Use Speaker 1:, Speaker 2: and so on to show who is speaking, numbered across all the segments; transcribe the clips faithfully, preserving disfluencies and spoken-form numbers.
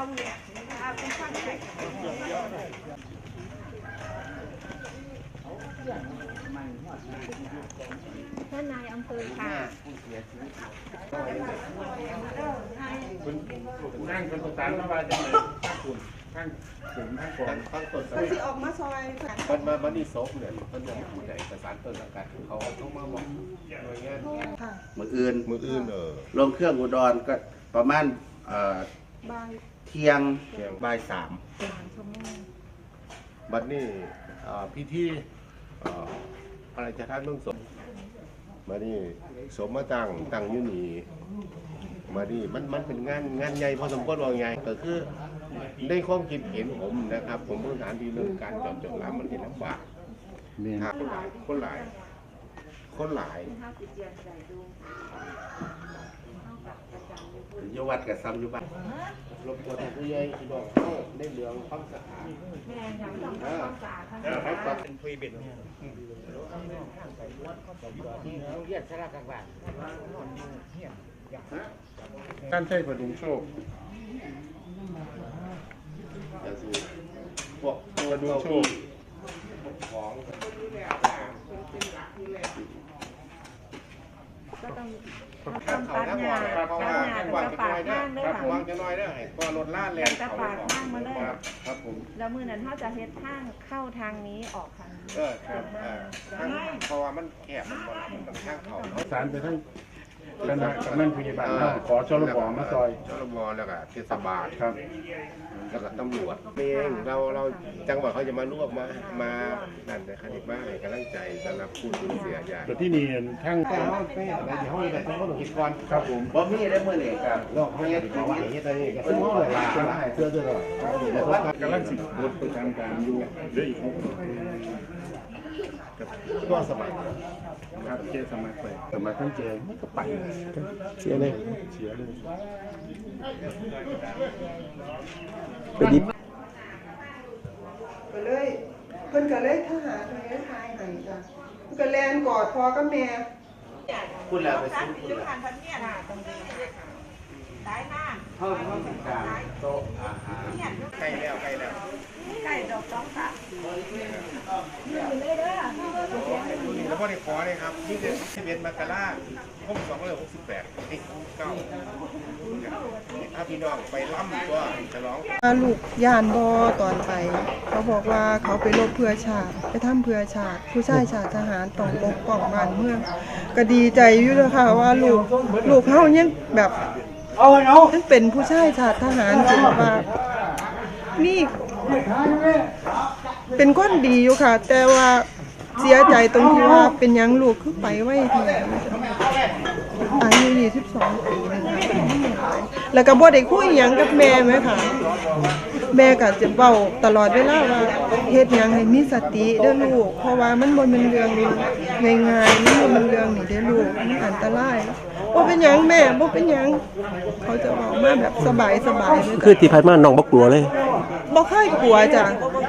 Speaker 1: ท่านนายอำเภอค่ะ
Speaker 2: คุณนั่งเป็นประธานสภาจังเลยข้างคุณข้างถึงข้างก่อนข้างต้นก็ที่ออกมาซอยมันมาบันนี่ซบเนี่ยมันจะผู้ใหญ่ประสานต้นสังกัดเขาต้องมาบอกหน่วยงาน
Speaker 3: มืออื่น
Speaker 2: มืออื่นเออ
Speaker 3: ลงเครื่องอุดรก็ประมาณเที่ยงบ่ายสาม
Speaker 2: บัดนี้พิธีอะไรจะท่านต้องสมมานี่สมมาตั้งตั้งยุนีมานี่มันมันเป็นงานงานใหญ่พอสมควรว่าไงก็คือได้ความคิดเห็นผมนะครับผมพื้นฐานที่เรื่องการจอดจอดร้านมันเห็นลำบากครับคนหลายคนหลาย
Speaker 3: ยวัดกับซ้ำยุบัต
Speaker 2: รบกวนผู้ใหญ่ที่บอกเข้าได้เรื่องความสะอาด
Speaker 1: แม่ยังต้องทำความสะอาด
Speaker 2: ครับครับเป็นคุยเบ็ดการใช้ประดุงโชคพวกประดุงโชคของ
Speaker 1: ก็ต้องทำตัดหญ้าตัดหญ้าแล้วก็ปาดข้างด้วยค่ะ
Speaker 2: วางจะน้อยได้ก็รถลาดแรง
Speaker 1: เขาปาดข้างมาเลย
Speaker 2: ครับผม
Speaker 1: แล้วมือนั้นเขาจะเฮ็ดทางเข้าทางนี้ออกทางนี้
Speaker 2: เออครับเพราะว่ามันแคบมันบ่มันต้องข้างเขาสารไปทั้งคณะกำนันผู้ใหญ่บ้านขอชลบมาซอยชลบแล้วก็เทศบาลครับแล้วก็ตำรวจเองเราเราจังหวัดเขาจะมาร่วมมามานั่นแต่คณิตบ้านให้กำลังใจสำหรับผู้สูญเสียใหญ่แต่ที่นี่ทั้งก็เขาไปอะไรที่ห้องแบบต้องคิดก่อนครับผม
Speaker 3: บ่มีได้เมื่อไหร่ครับ
Speaker 2: โลกเขาเนี่ยเขาไหวเนี่ยตอนนี้ก็ซึ่งเขาเลยจะได้เสื้อเสื้อเลยแล้วก็กำลังสิบบุตรประจำการอยู่เรื่อยอีกก็สมัครครับเจสมัครไปสมัครทั้งเจมันก็ไปเสียเลยเสียเลย
Speaker 4: ไปดิบก็เลยเพิ่นก็เลยทหารเลยทายให้จ้ะก็แลนกอดพ่อกับแม่
Speaker 3: คุณแล้วไปซื้อคุณแล้วเข้าห้องสังการโต๊ะอาหาร
Speaker 2: ใกล้แล้วใกล้แล้ว
Speaker 1: ใกล้ดอกสองสาม
Speaker 2: แล้วพอได้ขอเลยครับที่เดือนสิบเอ็ดมกราคมสองร้อยหกสิบแปดที่เก้าถ้าพี่น้องไปล่ำก็จะร้อง
Speaker 4: ลูกย่านบอตอนไปเขาบอกว่าเขาไปรบเพื่อชาติไปทำเพื่อชาติผู้ชายชาติทหารต้องปกป้องบ้านเมืองก็ดีใจอยู่เลยค่ะว่าลูกลูกเขายังแบบยังเป็นผู้ชายชาติทหารจริงว่านี่เป็นคนดีอยู่ค่ะแต่ว่าเสียใจตรงที่ว่าเป็นยังลูกคือไปไว้ทีอายุยี่สิบสองปีนึงค่ะแล้วก็บ่ได้คุยหยังกับแม่ไหมค่ะแม่ก็จะเว้าตลอดเวลาว่าเฮ็ดหยังให้มีสติเด้อลูกเพราะว่ามันบ่แม่นเรื่องง่ายๆมันบ่แม่นเรื่องนี่เด้อลูกมันอันตรายบ่เป็นหยังแม่บ่เป็นหยังเขาจะเว้ามาแบบสบายๆเลย
Speaker 5: คือที่ผ่านมาน้องบ่กลัวเลย
Speaker 4: บ่เคยกลัวจ้ะ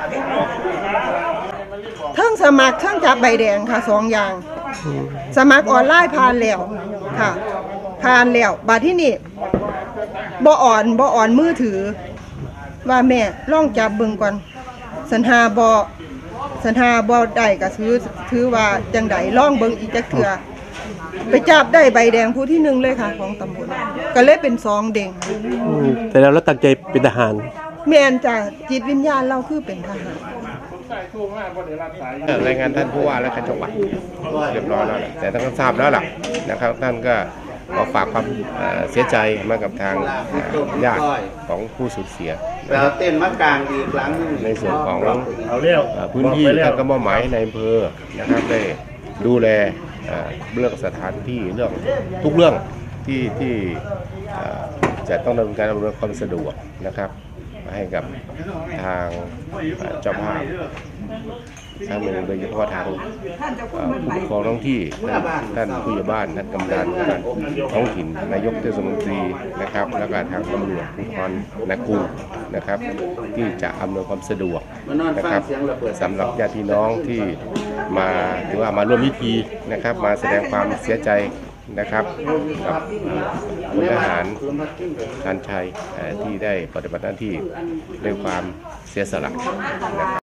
Speaker 4: ทั้งสมัครทั้งจับใบแดงค่ะสองอย่างสมัครออนไลน์ผ่านแล้วค่ะผ่านแล้วบัดที่นี่บ่อ่อนบ่อ่อนมือถือว่าแม่ลองจับเบิ่งก่อนสัญหาบ่สัญหาบ่ได้ก็ถือถือว่าจังได๋ลองเบิ่งอีกจักเทื่อไปจับได้ใบแดงผู้ที่หนึ่งเลยค่ะของตำบลก็เลยเป็นสองเด้ง
Speaker 5: แต่แล้วเราตั้งใจเป็นทหาร
Speaker 4: แม่นจ้ะจิตวิญญาณเราคือเป็นทหาร
Speaker 2: รายงานท่านผู้ว่าและท่านจังหวัดเรียบร้อยแล้วแหละแต่ท่านก็ทราบแล้วล่ะนะครับท่านก็ขอฝากความเสียใจมากับทางญาติของผู้สูญเสีย
Speaker 3: เราเต้นมากลางอีกครั้งนึง
Speaker 2: ในส่วนของพื้นที่ท่านก็มอบหมายในอำเภอนะครับได้ดูแลเรื่องสถานที่เรื่องทุกเรื่องที่ที่จะต้องดำเนินการอำนวยความสะดวกนะครับให้กับทางเจ้าภาพทางเมืองโดยเฉพาะทางผู้ปกครองท้องที่ท่านผู้ใหญ่บ้านท่านกำนันท้องถิ่นนายกเทศมนตรีนะครับแล้วก็ทางตำรวจภูธรนากูนะครับที่จะอำนวยความสะดวกนะครับสำหรับญาติพี่น้องที่มาหรือว่ามาร่วมพิธีนะครับมาแสดงความเสียใจนะครับกับพลทหารชาญชัยเอ่อที่ได้ปฏิบัติหน้าที่ด้วยความเสียสละนะครับ